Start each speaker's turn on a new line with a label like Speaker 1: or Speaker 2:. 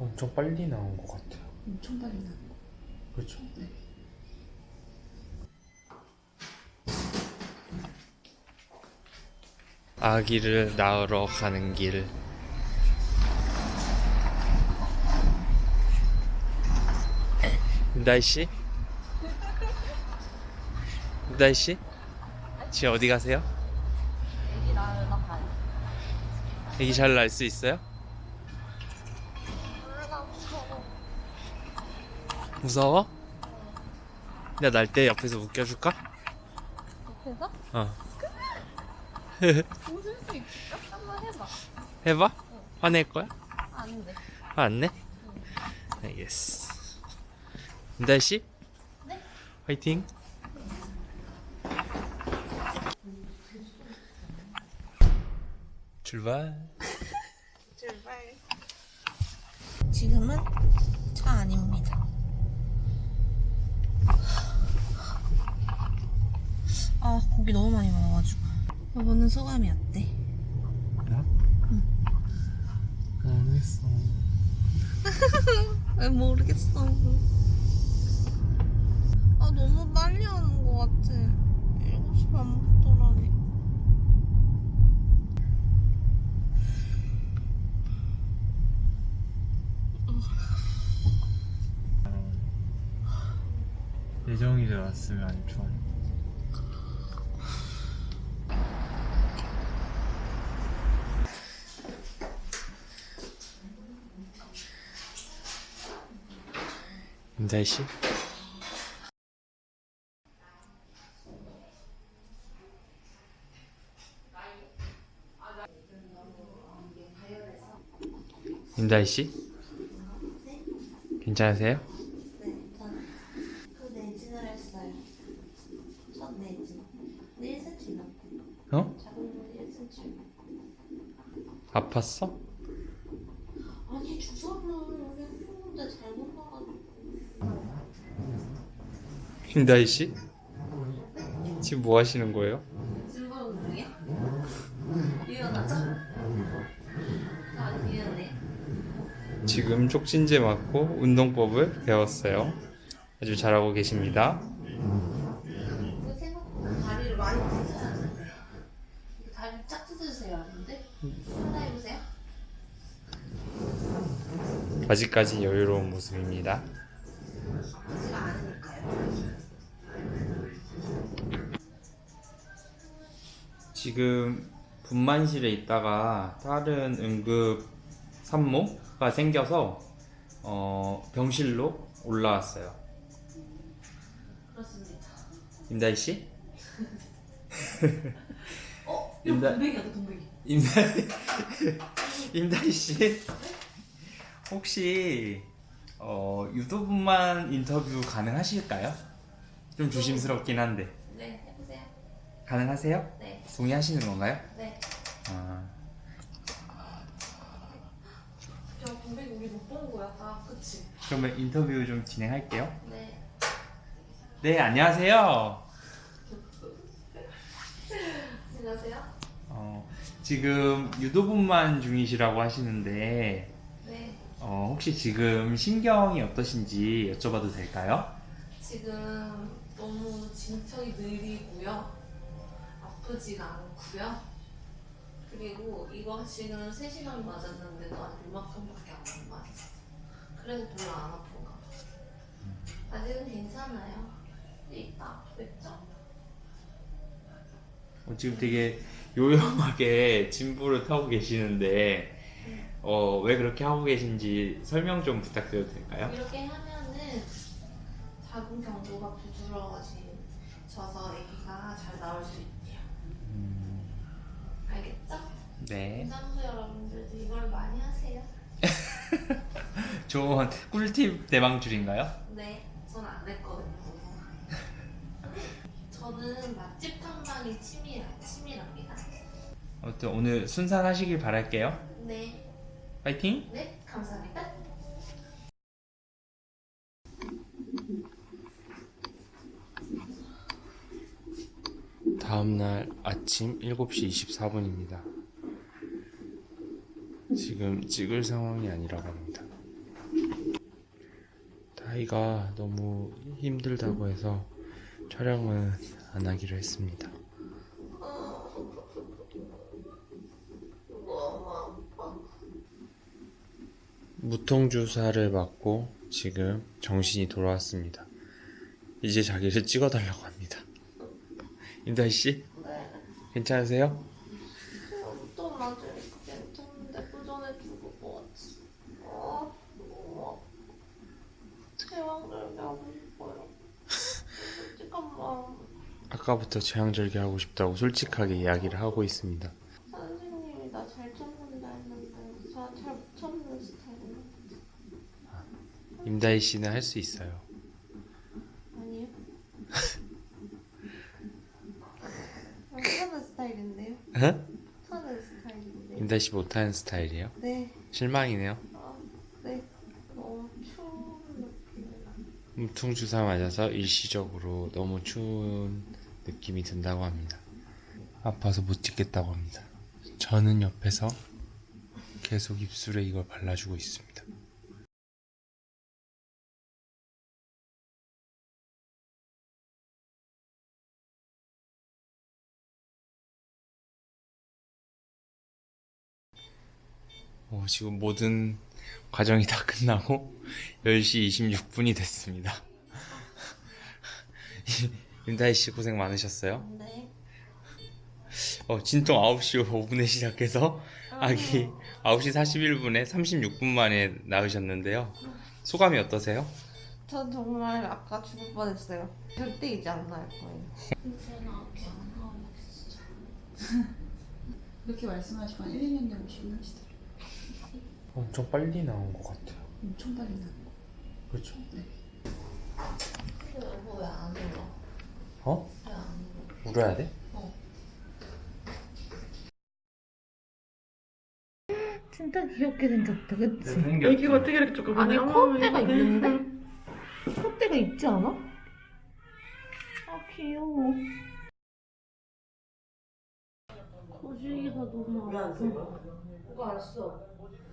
Speaker 1: 엄청 빨리 나온 것 같아요.
Speaker 2: 엄청 빨리 나는 거.
Speaker 1: 그렇죠?
Speaker 2: 네.
Speaker 1: 아기를 낳으러 가는 길. 윤다희 씨? 윤다희 씨? 지금 어디 가세요?
Speaker 2: 애기 낳으러 가요.
Speaker 1: 아기 잘 낳을 수 있어요? 무서워? 내가 날 때 옆에서 웃겨줄까?
Speaker 2: 옆에서?
Speaker 1: 어.
Speaker 2: 웃을 수 있을까? 한번 해봐.
Speaker 1: 해봐? 화낼 거야?
Speaker 2: 안 돼.
Speaker 1: 화 안 내? 알겠어. 윤다희 씨?
Speaker 2: 네?
Speaker 1: 화이팅! 출발.
Speaker 2: 출발. 지금은 차 아닙니다. 아, 고기 너무 많이 먹어가지고. 여보는 소감이 어때?
Speaker 1: 나? 모르겠어.
Speaker 2: 왜 모르겠어. 아, 너무 빨리 하는 것 같아. 7시 반부터라니.
Speaker 1: 예정이 왔으면 안 좋아. 윤다희 씨? 윤다희 씨? 괜찮으세요?
Speaker 2: 네, 저는 그 내진을 했어요. 첫 내진. 1cm 넘고.
Speaker 1: 어?
Speaker 2: 작은 건 1cm.
Speaker 1: 아팠어?
Speaker 2: 아니, 주사를 여기 했는데 잘못 나가지고.
Speaker 1: 윤다희 씨? 지금 뭐 하시는 거예요?
Speaker 2: 증거 운동이야? 유연하죠? 아니, 유연해.
Speaker 1: 지금 촉진제 맞고 운동법을 배웠어요. 아주 잘하고 계십니다.
Speaker 2: 이거 생각보다 다리를 많이 찢어야 하는데. 이거 다리 쫙 찢어주세요, 하는데? 하나 해보세요.
Speaker 1: 아직까지 여유로운 모습입니다.
Speaker 2: 하지가 않으니까요.
Speaker 1: 지금 분만실에 있다가 다른 응급 산모가 생겨서 병실로 올라왔어요.
Speaker 2: 그렇습니다.
Speaker 1: 임다희 씨?
Speaker 2: 어? 이거 동백이야, 동백이.
Speaker 1: 임다희 씨? 혹시 유도분만 인터뷰 가능하실까요? 좀 조심스럽긴 한데.
Speaker 2: 네, 해보세요.
Speaker 1: 가능하세요?
Speaker 2: 네.
Speaker 1: 동의하시는 건가요?
Speaker 2: 네.
Speaker 1: 아,
Speaker 2: 야, 동백이 우리 못 본 거야, 다. 그치?
Speaker 1: 그러면 인터뷰 좀 진행할게요.
Speaker 2: 네.
Speaker 1: 네, 안녕하세요.
Speaker 2: 안녕하세요.
Speaker 1: 지금 유도분만 중이시라고 하시는데
Speaker 2: 네.
Speaker 1: 혹시 지금 신경이 어떠신지 여쭤봐도 될까요?
Speaker 2: 지금 너무 진척이 느리고요. 아프지가 않고요. 그리고 이거 지금 3시간 맞았는데도 아직 요만큼밖에 안 맞았어. 그래서 별로 안 아픈가 봐. 아직은 괜찮아요. 이따 아프겠죠?
Speaker 1: 지금 되게 요염하게 진부를 타고 계시는데 왜 그렇게 하고 계신지 설명 좀 부탁드려도 될까요?
Speaker 2: 이렇게 하면은 자궁 경부가 부드러워져서 아기가 잘 나올 수 있대요. 알겠죠?
Speaker 1: 네.
Speaker 2: 임산부 여러분들도 이걸 많이 하세요.
Speaker 1: 좋은 꿀팁 대방출인가요?
Speaker 2: 네, 전 안 했거든요. 저는 맛집 탐방이 취미랍니다.
Speaker 1: 아무튼 오늘 순산하시길 바랄게요.
Speaker 2: 네,
Speaker 1: 파이팅!
Speaker 2: 네, 감사합니다.
Speaker 1: 다음날 아침 7시 24분입니다. 지금 찍을 상황이 아니라고 합니다. 아이가 너무 힘들다고 해서 촬영은 안 하기로 했습니다. 무통주사를 맞고 지금 정신이 돌아왔습니다. 이제 자기를 찍어달라고 합니다. 임다희씨?
Speaker 2: 네.
Speaker 1: 괜찮으세요?
Speaker 2: 좀 맞으니까 괜찮은데 그 전에 죽을 것 같지. 제왕절개 하고 싶어요. 솔직한 마음.
Speaker 1: 아까부터 제왕절개 하고 싶다고 솔직하게 이야기를 하고 있습니다.
Speaker 2: 선생님이 나 잘 참는다 했는데 저 잘 못 참는 스타일이에요.
Speaker 1: 임다희씨는 할 수 있어요.
Speaker 2: 아니요. 못하는 스타일인데요?
Speaker 1: 응?
Speaker 2: 못하는 스타일인데요?
Speaker 1: 임다희씨 못하는 스타일이에요?
Speaker 2: 네.
Speaker 1: 실망이네요.
Speaker 2: 네. 너무 추운 느낌이라.
Speaker 1: 무통주사 맞아서 일시적으로 너무 추운 느낌이 든다고 합니다. 아파서 못 찍겠다고 합니다. 저는 옆에서 계속 입술에 이걸 발라주고 있습니다. 지금 모든 과정이 다 끝나고 10시 26분이 됐습니다. 임다희씨 고생 많으셨어요.
Speaker 2: 네.
Speaker 1: 진통 9시 5분에 시작해서 아기 9시 41분에 36분 만에 낳으셨는데요. 소감이 어떠세요?
Speaker 2: 전 정말 아까 죽을 뻔했어요. 절대 이제 안 나을 거예요. 이제는 아기 안 나오겠어.
Speaker 3: 그렇게 말씀하시고 한 1, 2년 되면 주문하시더라고요.
Speaker 1: 엄청 빨리 나온 것 같아요.
Speaker 3: 엄청 빨리 나는 거.
Speaker 1: 그렇죠?
Speaker 3: 네.
Speaker 2: 근데 여보 왜안 울어?
Speaker 1: 어?
Speaker 2: 왜 안 울어?
Speaker 1: 울어야 돼?
Speaker 2: 진짜 귀엽게 생겼다, 그치?
Speaker 3: 애기가 어떻게 이렇게 조금
Speaker 2: 아니 콧대가 있는데? 콧대가 있지 않아? 아 귀여워. 거시기가 너무 아파. 누가 알았어?